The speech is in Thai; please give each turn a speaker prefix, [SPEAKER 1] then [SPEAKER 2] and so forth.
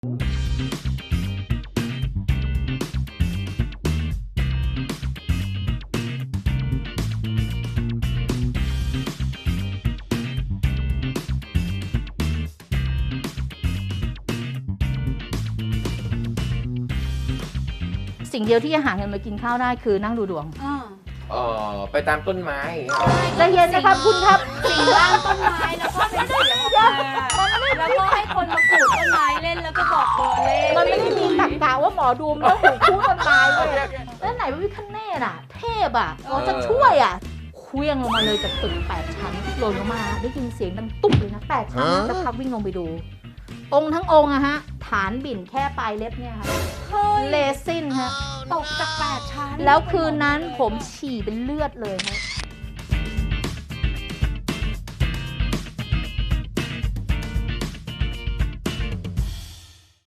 [SPEAKER 1] สิ่งเดียวที่จะหาเงินมากินข้าวได้คือนั่งดูดวง
[SPEAKER 2] ไปตามต้นไม้
[SPEAKER 1] ใจเย็นนะครับคุณครับ
[SPEAKER 3] สิ่งล่างต้นไม้แล้วก็เป็นเสียงออกมาแล้วก็ให้คนมาขูดต้นไม้เล่นแล้วก็บอกเบอร์เลข
[SPEAKER 1] มันไม่ได้มีตรรกะว่าหมอดูมันต้องหูคู่ต้นไม้เลยแล้วไหนพระพิฆเนศอ่ะ เทพอ่ะหมอจะช่วยอ่ะเคลื่องลงมาเลยจากตึก8 ชั้นหล่นลงมาได้ยินเสียงดังตุ๊บเลยนะ8 ชั้นจะพักวิ่งลงไปดู องค์ทั้งองค์อะฮะฐานบิ่นแค่ปลายเล็บเนี่ยค่ะเลซินฮะ
[SPEAKER 3] ตกจาก8 ชั้น
[SPEAKER 1] แล้วคืนนั้นผมฉี่เป็นเลือดเลยฮะ